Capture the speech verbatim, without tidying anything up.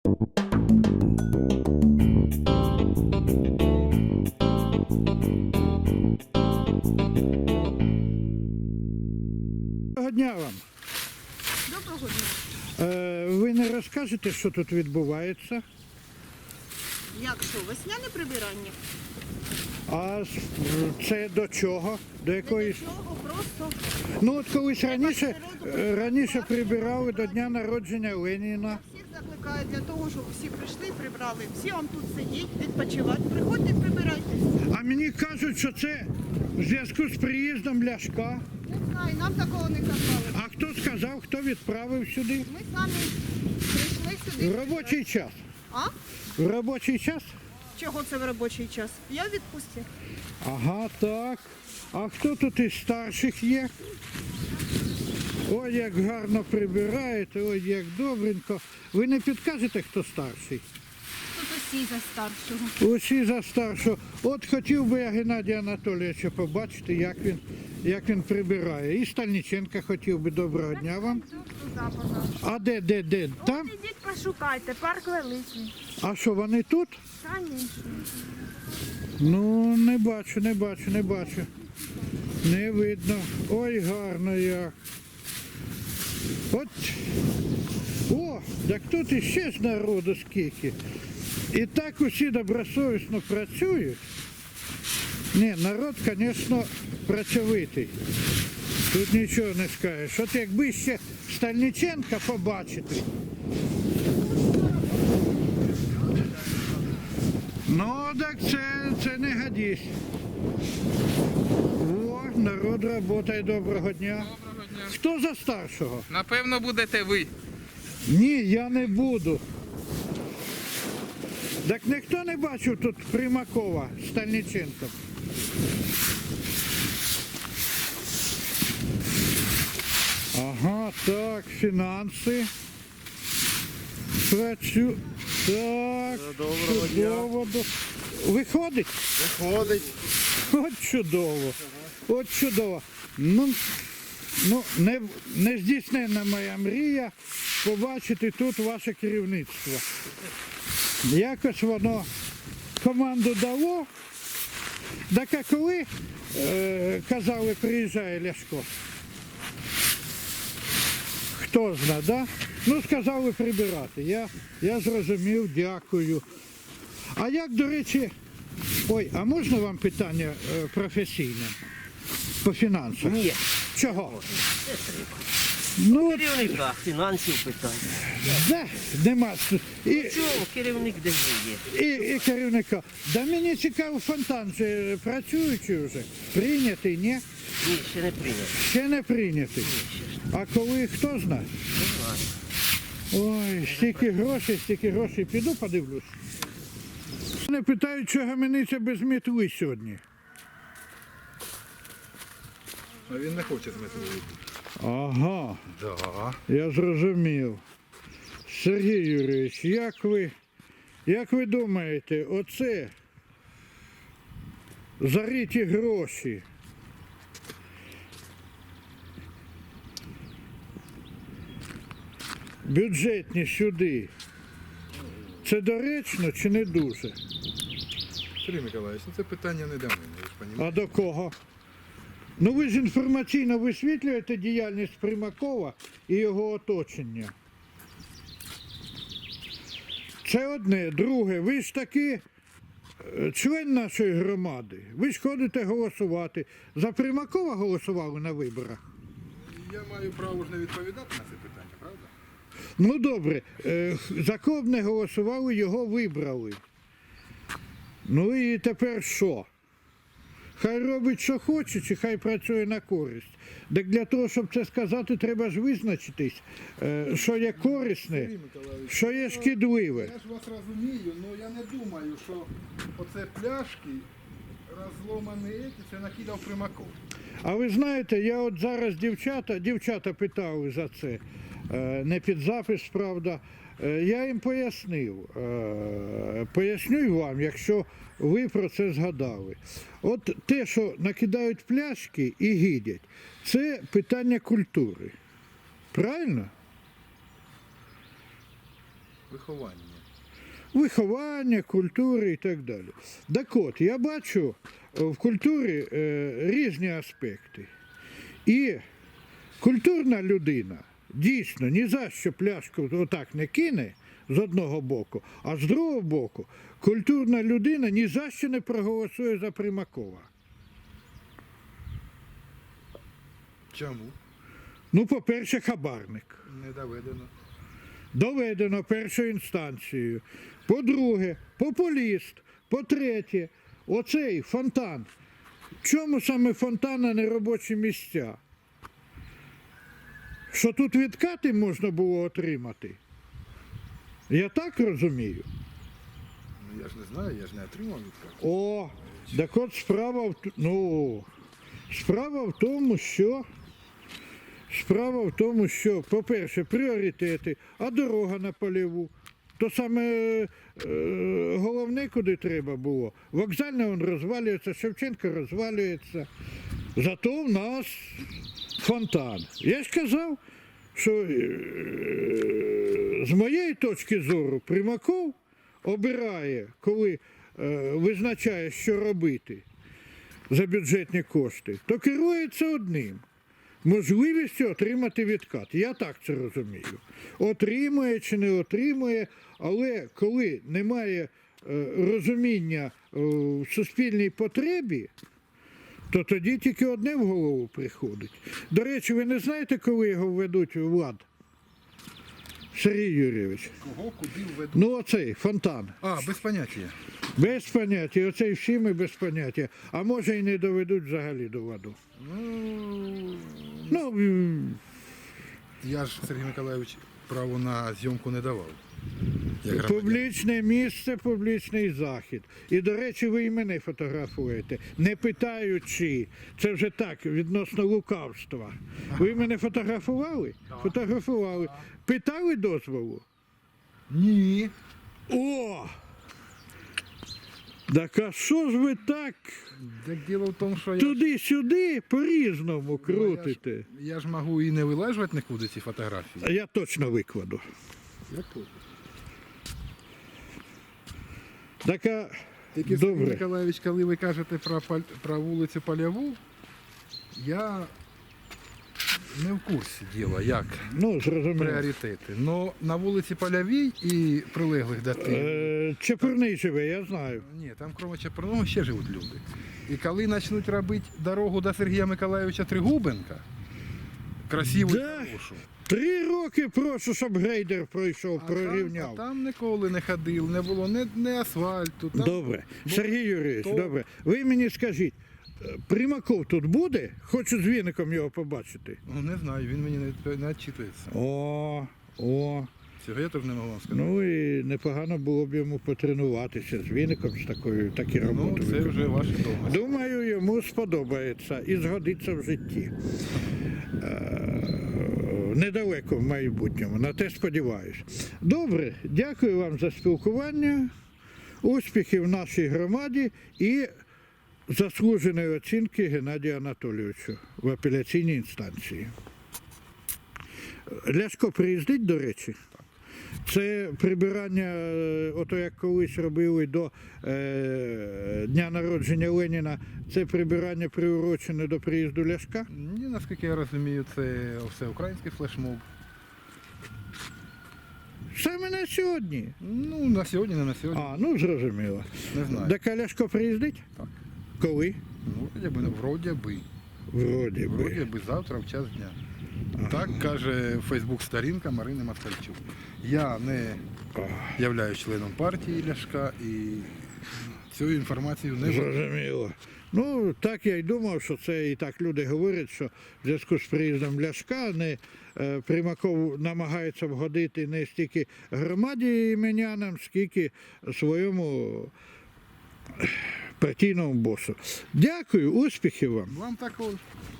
Доброго дня вам. Доброго дня. Е, ви не розкажете, що тут відбувається? Як що, весняне прибирання? А це до чого? До якоїсь? Нічого, просто Ну от колись раніше, природу е, раніше прибирали до дня народження Леніна. всіх закликають для того, щоб всі прийшли, прибрали. Всі вам тут сидіть, відпочивати. Приходьте, прибирайте. А мені кажуть, що це в зв'язку з приїздом Ляшка. Не знаю, нам такого не казали. А хто сказав, хто відправив сюди? Ми самі прийшли сюди. В робочий час. А? В робочий час? Чого це в робочий час? Я в відпустці. Ага, так. А хто тут із старших є? Ой, як гарно прибираєте, ой, як добренько. Ви не підкажете, хто старший? Тут усі за старшого. Усі за старшого. От хотів би я Геннадія Анатолійовича побачити, як він, як він прибирає. І Стальниченка хотів би. Доброго дня вам. А де, де, де? Там? Ідіть пошукайте, парк великий. А що, вони тут? Конечно. Ну, не бачу, не бачу, не бачу. Не видно. Ой, гарно як. От. О, так тут іще ж народу скільки. І так усі добросовісно працюють. Ні, народ, звісно, працьовитий. Тут нічого не скажеш. От якби ще Стальниченка побачити. Ну, так це, це не годись. О, народ працює. Доброго дня. Доброго дня. Хто за старшого? Напевно, будете ви. Ні, я не буду. Так ніхто не бачив тут Примакова з Стальниченком. Ага, так, фінанси. Працю. Так, Доброго чудово. До- Виходить? Виходить. От чудово. От чудово. Ну, ну не, не здійсненна моя мрія побачити тут ваше керівництво. Якось воно команду дало. Так а коли е, казали, приїжджає Ляшко? Хто знає, да? Ну, сказали прибирати. Я, я зрозумів, дякую. А як, до речі, ой, а можна вам питання е, професійне? По фінансах? Ні. Чого? Ну, от, Керівника фінансів питання. да, нема. І, Чого керівник де є? і, і керівника. Да мені цікаво, фонтан же працюючий вже. Прийнятий, ні? Ні, ще не прийнято. Ще не прийнятий. А коли, хто знає? Не знаю. Ой, стільки грошей, стільки грошей. Піду подивлюсь. Мене питають, що гаманиця без мітли сьогодні. А він не хоче з метою. Ага, Да. я зрозумів. Сергій Юрійович, як ви, як ви думаєте, оце зариті гроші бюджетні сюди, це доречно чи не дуже? Сергій Миколаївич, ну це питання не до мене, ви ж А розумієте? до кого? Ну ви ж інформаційно висвітлюєте діяльність Примакова і його оточення. Це одне. Друге, ви ж таки е, член нашої громади. Ви ж ходите голосувати. За Примакова голосували на виборах? Я маю право ж не відповідати на це питання, правда? Ну добре, е, за кого б не голосували, його вибрали. Ну і тепер що? Хай робить, що хоче, чи хай працює на користь. Так для того, щоб це сказати, треба ж визначитись, е, що є корисне, Сергій Миколаївич, що є шкідливе. я ж вас розумію, але я не думаю, що оце пляшки розломані, еті, це накидав Примаков. А ви знаєте, я от зараз дівчата, дівчата питали за це, е, не під запис, правда. Е, Я їм пояснив, Е, поясню й вам, якщо ви про це згадали. От те, що накидають пляшки і гидять, це питання культури. Правильно? Виховання. виховання, культури і так далі. Так от, я бачу в культурі е, різні аспекти. І культурна людина дійсно ні за що пляшку отак не кине з одного боку, а з другого боку культурна людина ні за що не проголосує за Примакова. Чому? Ну, по-перше, хабарник. Не доведено. Доведено першою інстанцією. По-друге, популіст. По-третє, оцей фонтан. Чому саме фонтан, а не робочі місця? Що тут відкати можна було отримати? Я так розумію. Ну я ж не знаю, я ж не отримав відкат. О, так от справа в, т- ну, справа в тому, що справа в тому, що, по-перше, пріоритети, а дорога на Полєву. То саме е, головне, куди треба було. Вокзальне він розвалюється, Шевченко розвалюється. Зато в нас фонтан. Я ж казав, що е, з моєї точки зору Примаков обирає, коли е, визначає, що робити за бюджетні кошти, то керується одним. Можливістю отримати відкат. Я так це розумію. Отримує чи не отримує, але коли немає е, розуміння е, в суспільній потребі, то тоді тільки одне в голову приходить. До речі, ви не знаєте, коли його введуть у влад? Сергій Юрійович. Кого, куди введуть? Ну оцей, фонтан. А, без поняття. Без поняття. Оцей всі ми без поняття. А може і не доведуть взагалі до ладу. Ну, Ну, м, я ж, Сергій Миколайович, право на зйомку не давав. Як громадянин. публічне місце, публічний захід. І, до речі, ви і мене фотографуєте, не питаючи. Це вже так, відносно лукавства. Ви мене фотографували? Фотографували. Питали дозволу? Ні. О! Так а що ж ви так Так діло в тому, що я, туди-сюди по-різному ну, я, ж, крутите? я ж можу і не вилежувати нікуди ці фотографії. А я точно викладу. Я тут. Так а, Тільки Сергій добре. Миколайович, коли ви кажете про, Паль- про вулицю Полєву, я не в курсі діла, як Ну, зрозуміло. пріоритети. Но на вулиці Полєвій і прилеглих до тих, Е, Чепурний живе, я знаю. ні, там крім Чепурного ще живуть люди. І коли почнуть робити дорогу до Сергія Миколайовича Тригубенка, красиву і Да. хорошу, Три роки прошу, щоб грейдер пройшов, а там, прорівняв. а там ніколи не ходив, не було ні, ні асфальту. Там, Добре. Сергій Юрійович, то- добре. Ви мені скажіть, е, Примаков тут буде? Хочу з віником його побачити. Ну, не знаю, він мені не, не відчитується. О, о. Цього я теж не можу вам сказати. Ну і непогано було б йому потренуватися з віником, з такою, такі роботи. Ну, це виконувати. вже ваші домисли. Думаю, йому сподобається і згодиться в житті. Е, Недалеко в майбутньому, на те сподіваюся. Добре, дякую вам за спілкування, успіхів нашій громаді і заслуженої оцінки Геннадію Анатолійовичу в апеляційній інстанції. Ляшко приїздить, до речі? Це прибирання, е, ото як колись робили до е, дня народження Леніна, це прибирання приурочене до приїзду Ляшка? Ні, наскільки я розумію, це все український флешмоб. Саме на сьогодні. Ну, на сьогодні, не на сьогодні. А, ну зрозуміло. Не знаю. Так а Ляшко приїздить? Так. Коли? Ну, вроді би, вроді би. Вроді Вроді би. би завтра в час дня. Так каже Фейсбук-сторінка Марини Москальчук. Я не являюсь членом партії Ляшка і цю інформацію не вважаю. Зрозуміло. Ну, так я й думав, що це і так люди говорять, що в зв'язку з приїздом Ляшка не е, Примаков намагається вгодити не стільки громаді іменянам, скільки своєму партійному босу. Дякую, успіхів вам. Вам також.